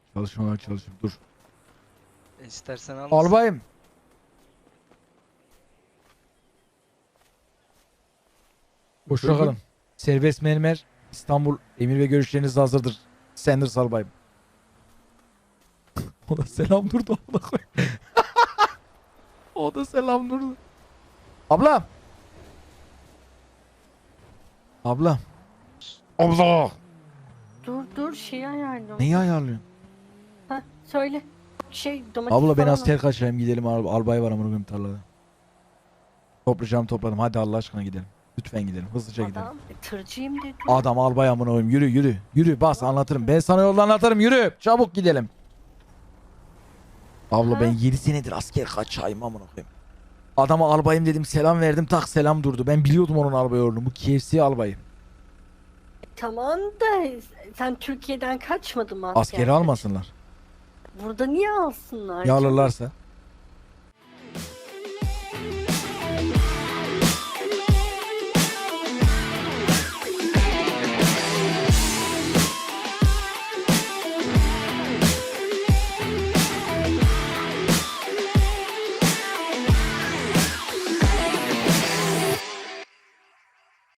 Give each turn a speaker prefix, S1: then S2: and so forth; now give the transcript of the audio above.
S1: Çalışmalar çalışıyorum. Dur.
S2: İstersen al.
S1: Albayım. Hoşça kalın. Serbest mermer İstanbul emir ve görüşleriniz hazırdır. Sanders albayım. O da selam durdu. O da selam durdu. Abla. Abla. Abla.
S3: Dur şey ayarlıyorum.
S1: Neyi ayarlıyorsun?
S3: Ha söyle. Domates
S1: Abla ben
S3: falan
S1: asker kaçayım gidelim. Albay var amına koyayım tarlada. Topladım. Hadi Allah aşkına gidelim. Lütfen gidelim. Hızlıca gidelim.
S3: Adam tırcıyım dedi.
S1: Adam albay amına koyayım. Yürü. Yürü bas anlatırım. Ben sana yolda anlatırım. Yürü. Çabuk gidelim. Abla
S3: Ha?
S1: ben 7 senedir asker kaçayım amına koyayım. Adama albayım dedim selam verdim tak selam durdu. Ben biliyordum onun albay olduğunu. Bu KFC albayı.
S3: Tamam da sen Türkiye'den kaçmadın mı asker?
S1: Askeri almasınlar.
S3: Burada niye alsınlar?
S1: Ya alırlarsa.